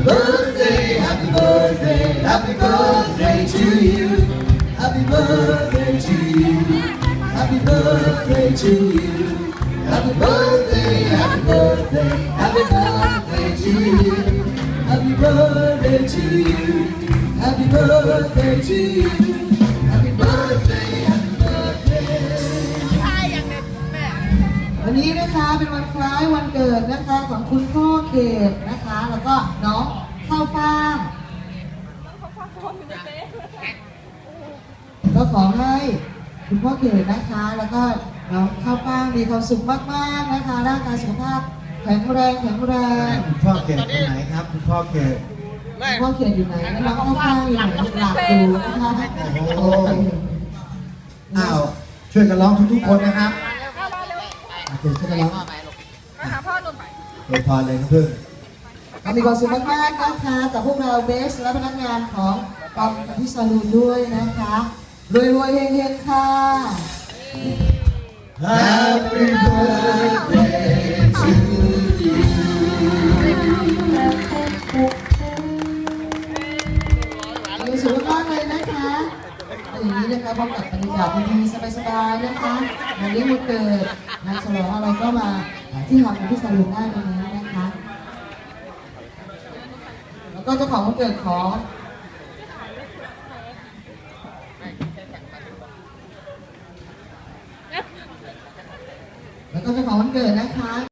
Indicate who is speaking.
Speaker 1: birthday, happy birthday, happy birthday to you. Happy birthday to you. Happy birthday to you. Happy birthday, happy birthday, happy birthday to you. Happy birthday to you. Happy birthday to you. Happy birthday, happy birthday. วันนี้นะคะเป็นวันคล้ายวันเกิดนะคะของคุณพ่อเขตนะคะแล้วก็น้องข้าวฟ่างก็ขอให้คุณพ่อเขตนะคะแล้วก็น้องข้าวฟ่างมีความสุขมากๆนะคะร่างกายสุขภาพแข็งแรง
Speaker 2: คุณพ่อเขตคนไหนครับคุณพ่อเขต
Speaker 1: คุณพ่อเขตอยู่ไหนแล้วน้องข้าวฟ่างอยู่ไหนหลับดูนะคะโอ้
Speaker 2: อ้าวช่วยกันร้องทุกๆคนนะครับ
Speaker 1: เดี๋ยวจะร้อง
Speaker 3: มาหาพ่อหนุ่มไป
Speaker 2: โดยพรเลยนะเพื่อน
Speaker 1: มีความสุขมากๆนะคะกับพวกเราเบสและพนักงานของกองพิซาลูนด้วยนะคะรวยๆเฮงๆค่ะ
Speaker 2: Happy birthday to you
Speaker 1: มีสุขมากเลยนะคะอย่างนี้นะคะพบกับบรรยากาศดีๆสบายๆนะคะงานเลี้ยงวันเกิดงานฉลองอะไรก็มาที่ทำพิซาลูนได้ตรงนี้นะคะแล้วก็เจ้าของวันเกิดของแล้วก็เจ้าของวันเกิดนะคะ